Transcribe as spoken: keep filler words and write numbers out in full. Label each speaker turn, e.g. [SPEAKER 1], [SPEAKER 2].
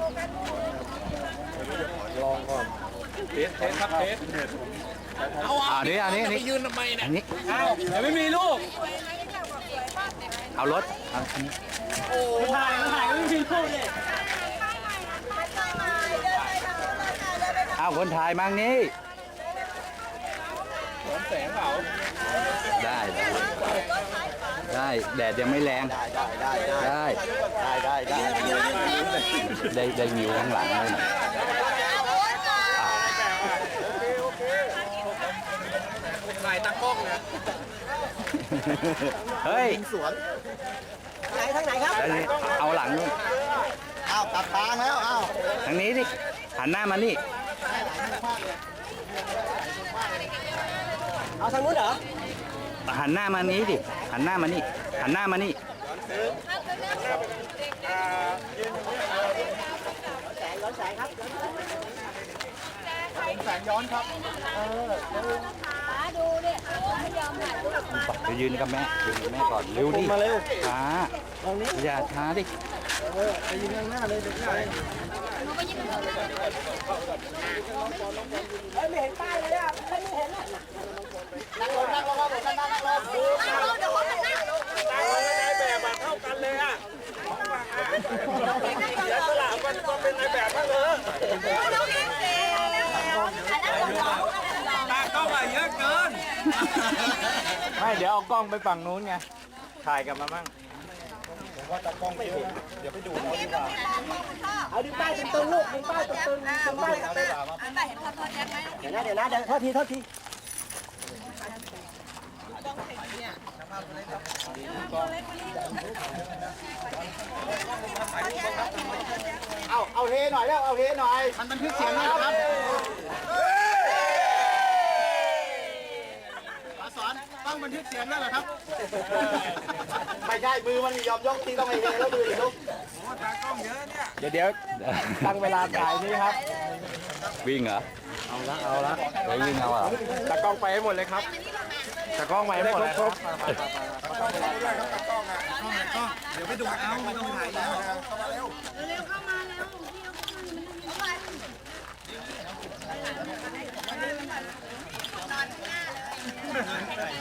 [SPEAKER 1] ลองก่อนเทสเทสครับเทสเอา
[SPEAKER 2] อันนี้อันนี้อันนี้
[SPEAKER 1] ไปยืนทำไมเนี่ย
[SPEAKER 2] อันนี้
[SPEAKER 1] เอาเดี๋ยวไม่มีลูก
[SPEAKER 2] เอารถเอาอันนี้
[SPEAKER 1] ถ่ายถ่ายไม่มีลูกเลย
[SPEAKER 2] เอาคนถ่ายมั่งนี่
[SPEAKER 1] สวนแสงเปล่า
[SPEAKER 2] ได้ได้แดดยังไม่แรง
[SPEAKER 3] ได้ได้ได้
[SPEAKER 2] ได้
[SPEAKER 3] ได้ได้ได้
[SPEAKER 2] ได้ได้วิวข้างหลังเลยนะ
[SPEAKER 1] ถ่ายตากล้องนะ
[SPEAKER 2] เฮ้ย
[SPEAKER 3] สวน
[SPEAKER 4] ไหนทางไหนครับ
[SPEAKER 2] เอาเอาหลังนู่น
[SPEAKER 3] อ้าวกลับทางแล้วอ้าว
[SPEAKER 2] ทางนี้ดิหันหน้ามานี่
[SPEAKER 4] เอาทางนู้นเหรอ
[SPEAKER 2] หันหน้ามานี้ดิหันหน้ามานี่หันหน้ามานี่
[SPEAKER 4] แสงย้อนแสงครับ
[SPEAKER 1] แสงย้อนครับ
[SPEAKER 5] ดูดิไม่ยอมถ่ายรูปมา
[SPEAKER 2] ไปยืนกับแม่ยืนกับแม่ก่อนเร็วดิ
[SPEAKER 3] มาเร็ว
[SPEAKER 2] ช้าอย่าช้าดิ
[SPEAKER 3] ไปยืนข้างหน้าเลยเด็กใหญ่
[SPEAKER 5] หนูไปยืนตรงนั้น
[SPEAKER 4] เฮ้ยไม่เห็นป้ายเลยอ่ะไม่เห็นอ่ะ
[SPEAKER 3] นั่งลงนั่งลงครับผมนั่งนั่งนั่งลง
[SPEAKER 5] นั่งลงเดี๋ยวคนมันนั่ง
[SPEAKER 1] ตายในแบบมาเท่ากันเลยอ่ะเดี๋ยวสลับกันมาเป็นในแบบบ้างเลย
[SPEAKER 5] น้องเองสิอันนั้นของน้อง
[SPEAKER 1] ตากล้องมาเยอะเกิน
[SPEAKER 2] ไม่เดี๋ยวเอากล้องไปฝั่งนู้นไงถ่ายกับมาบ้าง
[SPEAKER 4] เอาดึงป้ายตึงๆลูกดึงป้ายตึงๆดึงป้ายตึง
[SPEAKER 5] แต่เห็นพอตัวแจ็คไหม
[SPEAKER 4] ๆเดี๋ยวนะเดี๋ยวนะเดี๋ยวโทษทีโทษที
[SPEAKER 3] เอาเอาเฮหน่อยแล้วเอาเฮหน่อยมันบันทึกเสียงนะครับมาสอนต้องบันทึกเสียงแล้วเหรอครับไม่ใช่มือมันยอมยกที่ต้องให้เฮแล้วมืออีกลูก
[SPEAKER 2] เดี๋ยวเดี๋ยวตั้งเวลาถ่ายนี่ครับ วิ่งเหรอ
[SPEAKER 3] เอาละเอาละ
[SPEAKER 2] ไปวิ่งเอาเหรอ
[SPEAKER 1] ตากล้องไปให้หมดเลยครับตากล้องไปให้หมดเลยครับ
[SPEAKER 3] เดี๋ยวไปดูเอาไม่ต้องถ่ายแล้ว
[SPEAKER 5] เร็วเข้ามาแล้วพี่เข้ามาเข้ามา